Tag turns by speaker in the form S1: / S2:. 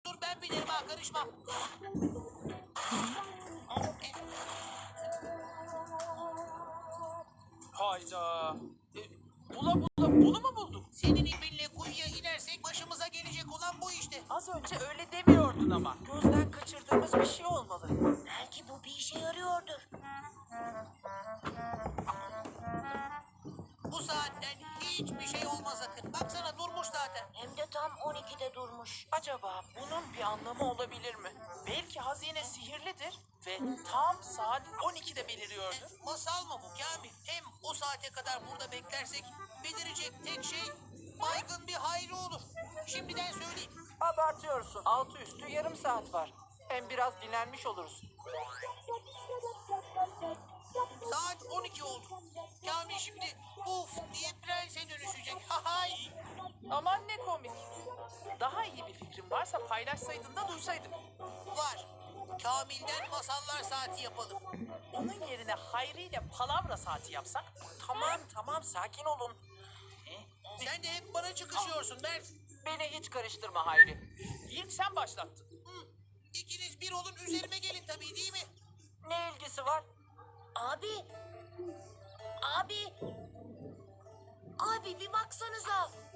S1: dur ben bilirim ha, karışmam.
S2: Hayda. Bula bunu mu bulduk?
S1: Senin ipinle kuyuya inersek başımıza gelecek olan bu işte.
S2: Az önce öyle demiyordun ama. Gözden kaçırdığımız bir şey olmalı.
S3: Belki bu bir işe yarıyordur.
S1: Bu saatten hiçbir şey olmaz sakın. Baksana durmuş zaten.
S3: Hem de tam 12'de durmuş.
S2: Acaba bunun bir anlamı olabilir mi? Belki hazine sihirlidir ve tam saat 12'de beliriyordur.
S1: Masal mı bu Kamil? Hem o saate kadar burada beklersek belirecek tek şey baygın bir Hayri olur. Şimdiden söyleyeyim.
S2: Abartıyorsun. Altı üstü yarım saat var. Hem biraz dinlenmiş oluruz.
S1: Saat 12 oldu. Kamil şimdi uf diye prense dönüşecek. Hay.
S2: Aman ne komik. Daha iyi bir fikrin varsa paylaşsaydın da duysaydık.
S1: Var. Kamil'den masallar saati yapalım.
S2: Onun yerine Hayri ile palavra saati yapsak? Tamam sakin olun.
S1: Sen de hep bana çıkışıyorsun Mert.
S2: Beni hiç karıştırma Hayri. İlk sen başlattın.
S1: Hı. İkiniz bir olun üzerime gelin tabii değil mi?
S2: Ne ilgisi var?
S3: Abi. Abi. Abi bir baksanıza.